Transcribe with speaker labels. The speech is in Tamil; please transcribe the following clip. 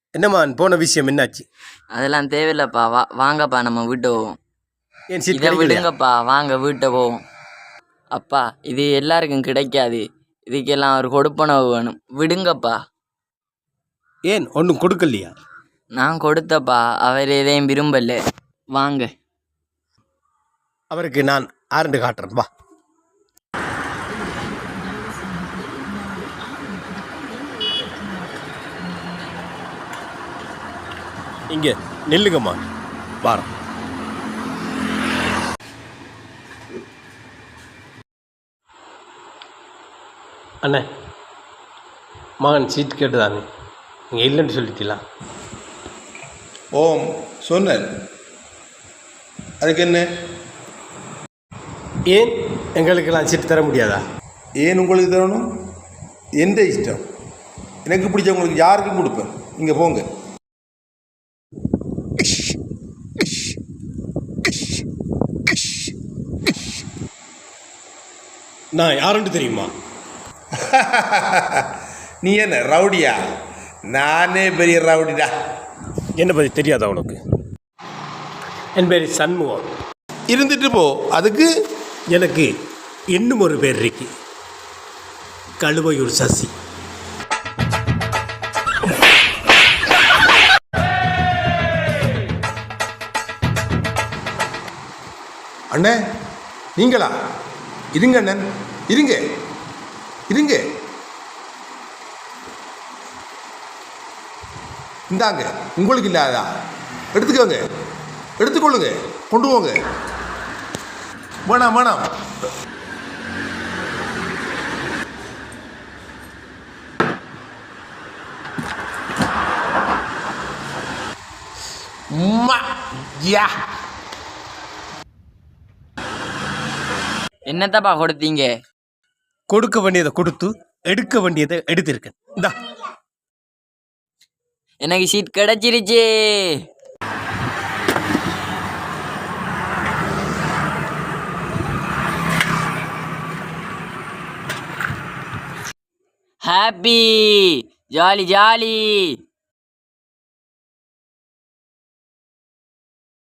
Speaker 1: என்னம்மா போன விஷயம் என்னாச்சு?
Speaker 2: அதெல்லாம் தேவையில்லப்பா. வாங்கப்பா நம்ம வீட்டு போவோம்.
Speaker 1: ஏன் சீட்
Speaker 2: இதை
Speaker 1: கிடைக்கலையா?
Speaker 2: விடுங்கப்பா, வாங்க வீட்டை போவோம். அப்பா, இது எல்லாருக்கும் கிடைக்காது. இதுக்கெல்லாம் ஒரு கொடுப்பனவு வேணும். விடுங்கப்பா.
Speaker 1: ஏன் ஒன்றும் கொடுக்கலையா?
Speaker 2: நான் கொடுத்தப்பா, அவர் எதையும் விரும்பல. வாங்க.
Speaker 1: அவருக்கு நான் ஆரண்டு காட்டுறேன், வா. இங்கே நில்லுங்கம்மா, வாரம். அண்ணே, மகன் சீட் கேட்டுதானே, நீங்கள் இல்லைன்னு சொல்லிட்டீங்களா?
Speaker 3: ஓம் சொன்னேன். அதுக்கு என்ன?
Speaker 1: ஏன் எங்களுக்கெல்லாம் சீட் தர முடியாதா?
Speaker 3: ஏன் உங்களுக்கு தரணும்? எந்த இஷ்டம். எனக்கு பிடிச்சவங்களுக்கு யாருக்கும் கொடுப்பேன். இங்கே போங்க.
Speaker 1: நான் யாருன்னு தெரியுமா?
Speaker 3: நீ என்ன ரவுடியா? நானே பெரிய ரவுடிடா.
Speaker 1: என்னை பற்றி தெரியாதா உனக்கு? என் பேர் சண்முகம்.
Speaker 3: இருந்துட்டு போ. அதுக்கு
Speaker 1: எனக்கு இன்னும் ஒரு பேர் இருக்கு, கழுவையூர் சசி.
Speaker 3: அண்ணே, நீங்களா? இருங்க அண்ணன், இருங்க இருங்க. இந்தாங்க, உங்களுக்கு இல்லாதா? எடுத்துக்கோங்க, எடுத்துக்கொள்ளுங்க, கொண்டு போங்க. வேணாம் வேணாம். யா,
Speaker 2: என்னத்தப்பா கொடுத்தீங்க?
Speaker 1: கொடுக்க வேண்டியதை கொடுத்து எடுக்க வேண்டியதை எடுத்திருக்கேன். இந்தா,
Speaker 2: எனக்கு சீட் கிடைச்சிருச்சு. Happy, jolly jolly.